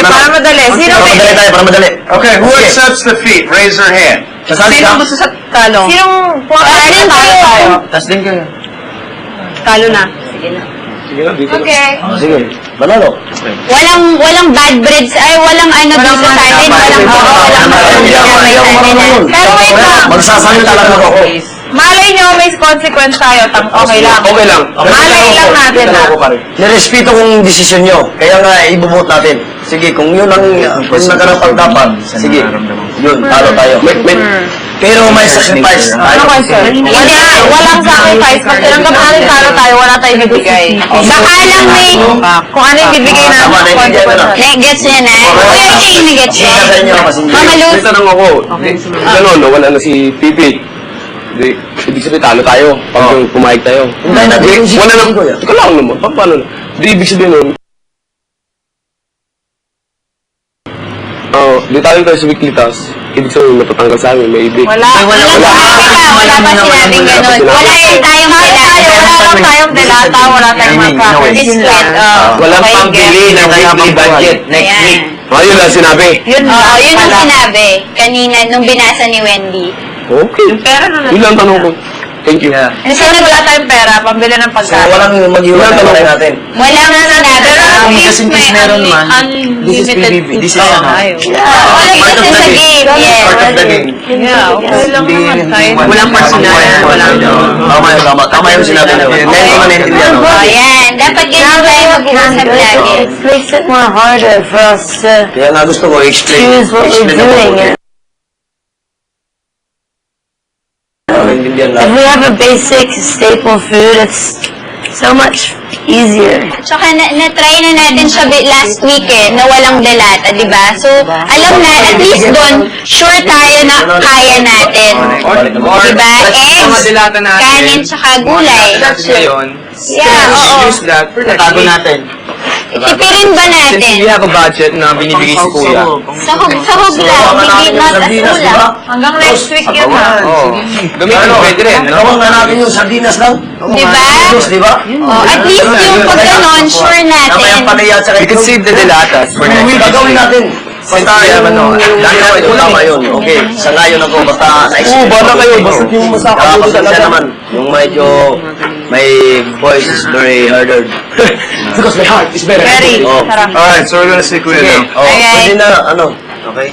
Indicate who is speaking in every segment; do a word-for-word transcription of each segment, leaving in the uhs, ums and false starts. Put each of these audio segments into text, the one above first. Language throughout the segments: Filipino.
Speaker 1: para madali. Sino
Speaker 2: Para
Speaker 1: may...
Speaker 2: madali tayo, para madali.
Speaker 3: Okay, who
Speaker 2: Sige.
Speaker 3: accepts defeat? Raise your hand.
Speaker 2: Sasali
Speaker 1: Sino
Speaker 2: ka?
Speaker 1: gusto sa talo? Sinong pumakas
Speaker 4: Taas din
Speaker 1: talo
Speaker 4: kayo.
Speaker 1: tayo?
Speaker 2: Tas din kayo.
Speaker 1: Talo na.
Speaker 2: Sige na, dito na.
Speaker 4: Okay.
Speaker 2: Ah, sige, banalo.
Speaker 4: Walang walang bad breeds, ay walang ano
Speaker 1: Walang
Speaker 4: dito sa atin,
Speaker 1: mga-
Speaker 4: walang oo, walang
Speaker 2: Walang-
Speaker 1: Pero wait lang.
Speaker 2: Magsasalita lang ako.
Speaker 1: Malay nyo, may consequence tayo. Tang okay lang.
Speaker 2: Okay lang.
Speaker 1: Malay lang natin na.
Speaker 2: Nirespeto kong desisyon nyo. Kaya nga, ibubuot natin. Sige, kung yun ang kung nakarapag dapat, sige, yun, talo tayo. Pero may sacrifice.
Speaker 1: Ano question? Wala, walang sacrifice. Pag tinanggap natin talo tayo, wala tayong bibigay.
Speaker 4: Baka lang may
Speaker 1: Kung ano yung bibigay natin,
Speaker 2: Tama, naiintindihan ko na.
Speaker 4: na- gets niya na. Kuya King, na-gets
Speaker 2: Sige
Speaker 4: niya.
Speaker 2: sa inyo, kasi hindi.
Speaker 4: Mama Luz,
Speaker 5: May tanong ako. Gano'n, nawala na si Pipi. Di, ibig sabihin, talo tayo. Pag
Speaker 2: Oh.
Speaker 5: pumayag tayo.
Speaker 2: Hintayin natin yung
Speaker 5: Wala na.
Speaker 2: sitwasyon ko yan.
Speaker 5: Teka lang naman. Pa- Paano na? Di, ibig sabihin nun. Oh, di tayo tayo sa weekly task. Ibig sabihin, matatanggal sa amin. May ibig.
Speaker 1: Wala.
Speaker 4: wala pa, wala pa sinabing ganun. Wala yung tayong
Speaker 1: Wala tayo, wala lang tayong delata, wala tayong malpractice.
Speaker 4: It's sweat, oh.
Speaker 5: Walang
Speaker 4: Okay,
Speaker 5: pambili ng weekly budget.
Speaker 2: Next week.
Speaker 4: Ayan.
Speaker 5: Ah, yun lang sinabi.
Speaker 1: Yun
Speaker 4: Oo,
Speaker 1: lang.
Speaker 4: yun ang
Speaker 1: Wala.
Speaker 4: sinabi kanina nung binasa ni Wendy.
Speaker 5: Okay.
Speaker 1: Pero na
Speaker 5: Yun lang tanong ko. Thank you.
Speaker 1: Kasi wala tayong pera, pambili ng
Speaker 2: So,
Speaker 1: pagkain.
Speaker 2: walang mag-iwan na tayo natin.
Speaker 4: Wala nga sinabi.
Speaker 1: Kasi may unlimited food
Speaker 2: This is ano.
Speaker 4: Oo,
Speaker 2: Part
Speaker 4: kasi
Speaker 2: of the
Speaker 4: sa
Speaker 2: game.
Speaker 4: game. Yes.
Speaker 2: Part of the game.
Speaker 1: Yeah, okay lang naman tayo.
Speaker 2: Walang personal. Walang Tama yun, tama. Tama yung sinabi na yun. Ngayon ko naintindihan. no?
Speaker 4: Oh, yan. Dapat ganyan tayo mag-uusap lagi.
Speaker 6: It makes it more harder for us to
Speaker 2: Kaya nga gusto ko i-explain.
Speaker 6: choose what we're
Speaker 2: I-explain ako.
Speaker 6: doing.
Speaker 2: Naintindihan
Speaker 6: If
Speaker 2: lang.
Speaker 6: we have a basic staple food, it's so much easier.
Speaker 4: Tsaka na, na-try na natin siya bi- last week eh, na walang delata, di ba? So, alam na, at least doon, sure tayo na kaya natin. Di ba? Eggs, kanin, tsaka gulay. Yeah, oo.
Speaker 2: Tago natin.
Speaker 4: Tipirin ba natin?
Speaker 5: have a budget na binibigay si Kuya.
Speaker 4: Sahog, sahog lang, hindi not as ulam.
Speaker 1: Hanggang next week yun ha.
Speaker 5: Oo. Gamitin mo, pwede rin. no?
Speaker 2: Gawang nga natin yung sardinas lang.
Speaker 4: Di ba?
Speaker 2: Sardinas, di ba?
Speaker 4: Oh, at least yung pag ganon, sure
Speaker 2: Tama
Speaker 4: natin.
Speaker 2: yung palaya at saka
Speaker 5: We can save the delatas for next week.
Speaker 2: Gagawin natin. Basta yung ano, dahil ako ito tama yun. Okay, sa ngayon ako, basta
Speaker 5: Oo,
Speaker 2: na-explain.
Speaker 5: bala kayo. Basta yung masaka
Speaker 2: Kaya
Speaker 5: mo
Speaker 2: pasensya
Speaker 5: talaga.
Speaker 2: naman. Yung medyo, my voice is very harder.
Speaker 5: Because my heart is better.
Speaker 1: Very.
Speaker 2: Oh.
Speaker 1: Sarap.
Speaker 3: Alright, so we're gonna see Kuya
Speaker 2: Sige,
Speaker 3: now.
Speaker 2: oh,
Speaker 4: Okay.
Speaker 2: pwede na, ano, okay?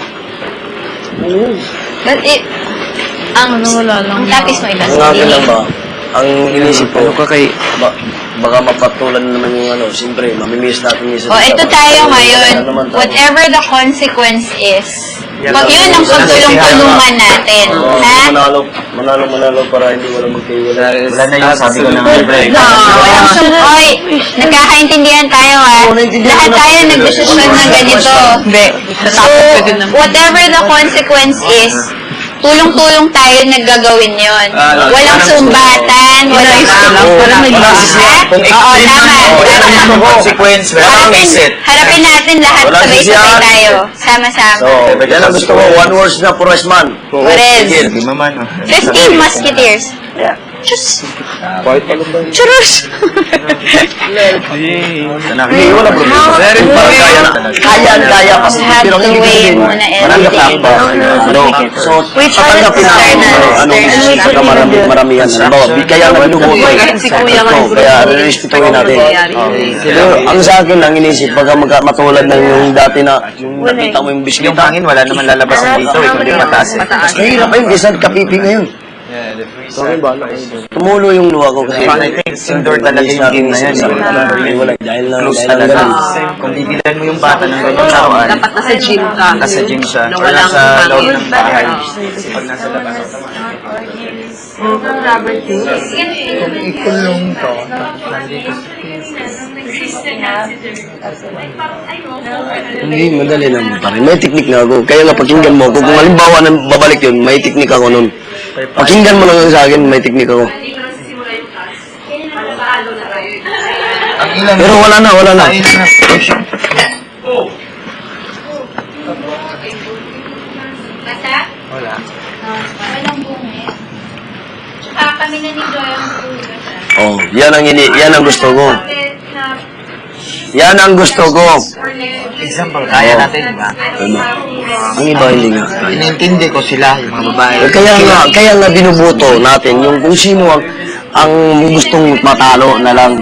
Speaker 4: But it, ang, ang tapis mo iba
Speaker 2: Ang akin lang ba, ang inisip ko,
Speaker 5: ka kay...
Speaker 2: ba, baka mapatulan naman yung ano, siyempre, mamimiss natin yung
Speaker 4: O, ito tayo ngayon.
Speaker 2: Ano naman tayo?
Speaker 4: Whatever the consequence is, pag yun ang pagtulong-tulungan natin.
Speaker 2: Oo,
Speaker 4: Ha?
Speaker 2: manalo, manalo, manalo para hindi wala magkaiwala.
Speaker 5: Wala na yung sabi ko na
Speaker 4: No, walang sum- Oy, nagkakaintindihan tayo ha.
Speaker 2: Oo, naintindihan
Speaker 4: Lahat
Speaker 2: ko na.
Speaker 4: tayo nagdesisyon ng ganito.
Speaker 1: Hindi.
Speaker 4: So, whatever the consequence is, tulong-tulong tayo naggagawin yon. Walang sumbatan, walang...
Speaker 1: Wala may
Speaker 4: Ha?
Speaker 2: Kung
Speaker 4: Oo, tama.
Speaker 2: yung consequence,
Speaker 4: Harapin, harapin natin lahat,
Speaker 2: Walang
Speaker 4: sabay-sabay
Speaker 2: sisiyahan.
Speaker 4: tayo. Sama-sama.
Speaker 2: So, yan ang gusto ko, one words na purest man.
Speaker 4: Perez.
Speaker 2: Sige.
Speaker 4: Fifteen musketeers. Diyos. Churros.
Speaker 2: Hindi, wala problema. Very kaya na. Kaya, kaya. Kasi
Speaker 4: Have
Speaker 2: pero
Speaker 4: to
Speaker 2: hindi
Speaker 4: weigh
Speaker 2: din.
Speaker 4: muna
Speaker 2: Maranggap na
Speaker 4: everything.
Speaker 2: ako. Ano, so,
Speaker 4: We try to
Speaker 2: tatanggapin natin
Speaker 4: external,
Speaker 2: ano, anong
Speaker 4: external.
Speaker 2: saka marami, maramihan. Halimbawa, di kaya na binubuto.
Speaker 1: Si Kuya nga.
Speaker 2: Ito, kaya respetuhin natin. Pero ang sa akin lang inisip, baka magka- matulad ng yung dati na, yung nakita mo yung biskwita.
Speaker 5: Yung hangin, wala naman lalabasan dito. Eh, kundi mataas eh.
Speaker 2: Mas mahirap pa yun, kaysa kapipi ngayon. Tumulo yung luha ko kasi.
Speaker 5: I think indoor talaga yung game na yan.
Speaker 2: Ay, wala. Dahil lang,
Speaker 5: Close
Speaker 2: dahil lang
Speaker 5: talaga.
Speaker 2: ganun.
Speaker 5: Kung bibilan mo yung bata ng ganyan tawaan,
Speaker 1: Dapat nasa gym ka.
Speaker 5: nasa gym siya,
Speaker 1: Na
Speaker 5: or
Speaker 1: walang
Speaker 5: nasa loob
Speaker 1: hangin.
Speaker 5: ng bahay. Pag nasa labas.
Speaker 2: Hindi, madali naman pa rin. May teknik na ako. Kaya nga pakinggan mo ako. Kung halimbawa na babalik yun, may teknik ako nun. Pakinggan mo lang sa akin, may teknik ako. Pero wala na, wala na.
Speaker 4: Basta?
Speaker 5: Wala.
Speaker 4: Walang bungis. Tsaka kami na ni Joy ang tulog.
Speaker 2: Oh, yan ang ini, yan ang gusto ko.
Speaker 4: Na
Speaker 2: Yan ang gusto ko.
Speaker 7: Example, kaya natin, di ba?
Speaker 2: Ano? Ang iba hindi nga.
Speaker 7: Inintindi ko sila, yung mga babae.
Speaker 2: Eh, Kaya nga, kaya nga binubuto natin yung kung sino ang, ang gustong matalo na lang.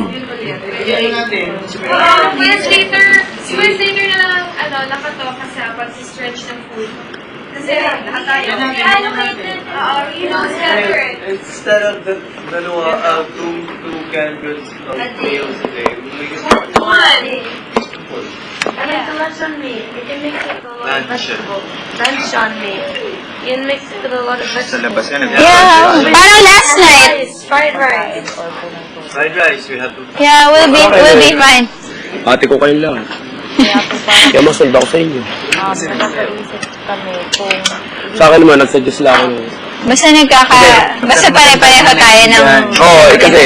Speaker 8: Months later, months later na lang, ano, nakatalk kasi about sa stretch ng food. Kasi lahat tayo, allocated, uh, you know, separate.
Speaker 9: Instead of the dalawa, uh, two, two canned goods of meals a day, we make it one.
Speaker 8: One.
Speaker 6: I like the lunch on meat. You can mix it with a lot of
Speaker 9: Lunch.
Speaker 6: vegetables. Lunch on meat. You can mix it with a lot of
Speaker 9: Sa
Speaker 6: vegetables.
Speaker 9: labas yan.
Speaker 4: Yeah, parang last night.
Speaker 6: Rice, fried rice.
Speaker 9: Fried rice, we have to...
Speaker 4: Yeah, we'll be, we'll be fine.
Speaker 5: Ate ko kayo lang. Kaya masunod ako sa inyo. Sa akin naman, nagsuggest lang ako.
Speaker 4: Basta nagkaka, basta pare-pareho tayo ng...
Speaker 5: Oo, oh, eh kasi,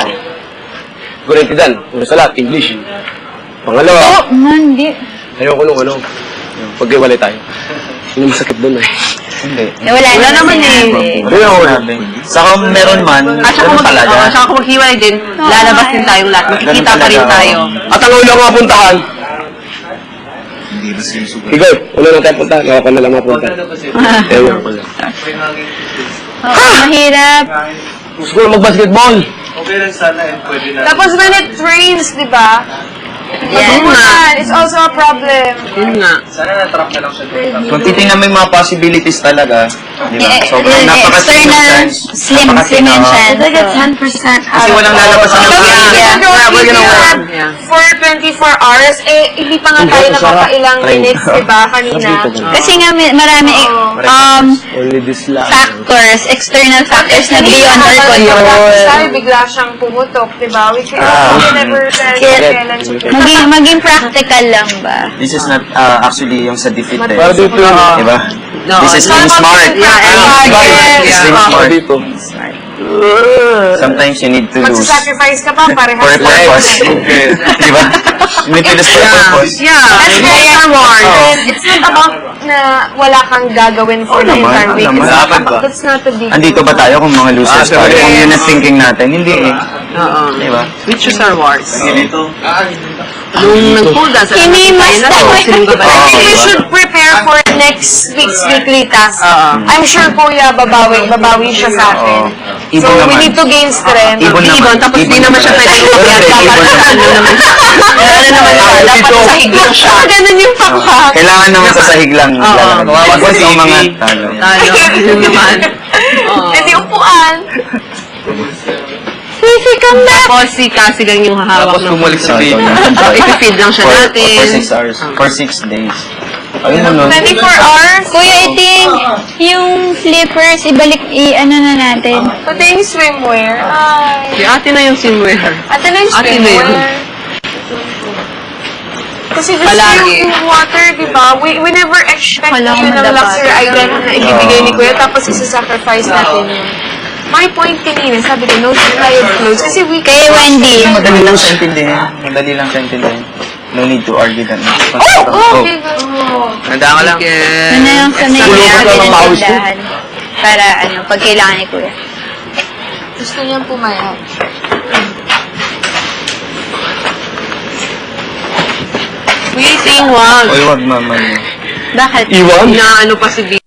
Speaker 5: Gurentidan, una sa lahat, English. Pangalawa,
Speaker 4: Oh, man, di.
Speaker 5: ayoko nung ano, pagkiwalay tayo. Yun yung masakit doon eh.
Speaker 2: Hindi.
Speaker 4: Eh, wala, wala naman eh.
Speaker 5: Kaya ako na.
Speaker 2: Saka meron man,
Speaker 1: At saka
Speaker 2: ganun
Speaker 1: mag,
Speaker 2: talaga.
Speaker 1: uh, saka kung maghiwalay din, lalabas din tayong lahat. Makikita pa rin tayo.
Speaker 5: At ang una ko mapuntahan,
Speaker 3: Hindi ba sinusugal?
Speaker 5: Ikaw, una lang tayo punta, ako na lang mapunta. Ewan ko lang.
Speaker 9: May hanging fish.
Speaker 4: Oo, mahirap.
Speaker 5: Gusto ko lang mag-basketball.
Speaker 9: Okay lang sana and pwede na.
Speaker 8: Tapos when it rains, di ba?
Speaker 4: Yan.
Speaker 8: Yan, it's also a problem.
Speaker 1: Yun nga.
Speaker 9: Sana na-trap na lang siya doon.
Speaker 2: Kung titingnan mo yung mga possibilities talaga, di ba?
Speaker 4: Eh,
Speaker 2: Sobrang
Speaker 4: eh,
Speaker 2: napaka-slim ng
Speaker 4: external,
Speaker 2: chance.
Speaker 4: slim,
Speaker 2: Napaka-
Speaker 4: slim yung
Speaker 2: Oo.
Speaker 4: chance.
Speaker 6: It's like a ten percent
Speaker 2: Kasi walang lalabas ng
Speaker 8: So,
Speaker 2: mga.
Speaker 8: yeah,
Speaker 4: Yeah.
Speaker 8: yeah,
Speaker 2: we're gonna work.
Speaker 1: Yeah.
Speaker 8: for twenty-four hours, eh, hindi pa nga tayo nakakailang minutes, di ba, kanina?
Speaker 4: Kasi nga may- marami eh, um,
Speaker 5: Only this lang.
Speaker 4: factors, external factors na
Speaker 8: Hindi
Speaker 4: beyond our
Speaker 8: nakakapag-practice tayo,
Speaker 4: control.
Speaker 8: bigla siyang pumutok, di ba? We can,
Speaker 2: Ah.
Speaker 8: we can never tell kailan siya.
Speaker 4: Maging, maging practical lang ba?
Speaker 2: This is not uh, actually yung sa defeat eh.
Speaker 5: Para dito yun.
Speaker 2: Di ba?
Speaker 1: No,
Speaker 2: This is
Speaker 8: It's
Speaker 2: being
Speaker 8: not about
Speaker 2: smart.
Speaker 8: being practical.
Speaker 2: Smart.
Speaker 8: Yes.
Speaker 2: It's being
Speaker 5: Para
Speaker 2: smart.
Speaker 5: dito.
Speaker 2: Sometimes you need to lose.
Speaker 8: Magsasacrifice ka pa,
Speaker 2: For a
Speaker 8: parehas lang.
Speaker 2: purpose. Di ba? You need to lose for a purpose.
Speaker 1: Yeah.
Speaker 8: That's very reward.
Speaker 2: Oh.
Speaker 8: And it's not about na wala kang gagawin for
Speaker 2: Oo
Speaker 8: the
Speaker 2: naman,
Speaker 8: entire week.
Speaker 2: oo
Speaker 8: It's
Speaker 2: naman.
Speaker 8: not
Speaker 2: Dapat
Speaker 8: about,
Speaker 2: ba?
Speaker 8: that's not a big
Speaker 2: Andito ba tayo kung mga losers
Speaker 5: Ah,
Speaker 2: tayo?
Speaker 5: correct.
Speaker 2: Kung yun ang thinking natin, hindi eh.
Speaker 1: Oo.
Speaker 2: Di ba?
Speaker 1: We choose our wars.
Speaker 9: Ganito.
Speaker 1: Nung nag-hold us, alam natin
Speaker 4: Hinimas
Speaker 1: tayo na to.
Speaker 4: tayo.
Speaker 1: Sino ka ba?
Speaker 8: I think we
Speaker 2: diba?
Speaker 8: should prepare for next week's weekly task.
Speaker 1: Oo.
Speaker 8: I'm sure Kuya babawi, babawi siya sa atin.
Speaker 2: Oo.
Speaker 8: So
Speaker 2: Ibon
Speaker 8: we
Speaker 2: naman.
Speaker 8: need to gain strength.
Speaker 2: Ibon naman.
Speaker 1: Ibon, tapos di naman siya pwede
Speaker 2: Ibon
Speaker 1: umakyat.
Speaker 2: naman.
Speaker 1: Dapat sa ano naman. Ano naman siya, dapat sa higlang siya.
Speaker 8: Ah, ganun yung pakpak.
Speaker 2: Kailangan naman sa sahig lang.
Speaker 1: Oo.
Speaker 2: Huwag mo sa mga talo.
Speaker 1: Tayo, yun naman. Oo.
Speaker 8: Hindi upuan.
Speaker 4: Sisi, come back!
Speaker 1: Tapos si Cassie lang yung hahawak
Speaker 5: Tapos
Speaker 1: ng
Speaker 5: bumalik sa
Speaker 2: Sorry,
Speaker 5: baby.
Speaker 2: sorry.
Speaker 1: So, ipifeed lang siya
Speaker 2: For,
Speaker 1: natin.
Speaker 2: for six hours. For six days. Ayun mo nun.
Speaker 8: twenty-four hours.
Speaker 4: Kuya Iting, yung flippers, ibalik, i-ano na natin.
Speaker 8: Pati yung swimwear. Ay.
Speaker 1: Si ate na yung swimwear.
Speaker 8: Ate na yung
Speaker 1: Ate na yun.
Speaker 8: swimwear. Kasi just
Speaker 1: Palagi.
Speaker 8: yung, yung water, di ba? We, we never expect
Speaker 4: Wala
Speaker 8: yun
Speaker 4: akong
Speaker 8: ng
Speaker 4: madapat.
Speaker 8: luxury item na ibibigay ni Kuya tapos isa-sacrifice natin yun. My point kanina, sabi ko, no supply of clothes. Kasi we
Speaker 4: Kay Wendy.
Speaker 2: Madali lang siya intindihin. Madali lang siya intindihin. No need to argue that.
Speaker 8: Oh, okay, go.
Speaker 1: Nanda ka lang.
Speaker 4: Ano na lang sa may
Speaker 5: Tulungan ka ng
Speaker 4: ng
Speaker 5: pawis ko.
Speaker 4: tindahan. Para ano, pag kailangan ni Kuya.
Speaker 8: Gusto niyang pumayat.
Speaker 1: Waiting, wag.
Speaker 2: Uy, wag naman.
Speaker 4: Bakit?
Speaker 5: Iwan?
Speaker 1: Inaano pa si B.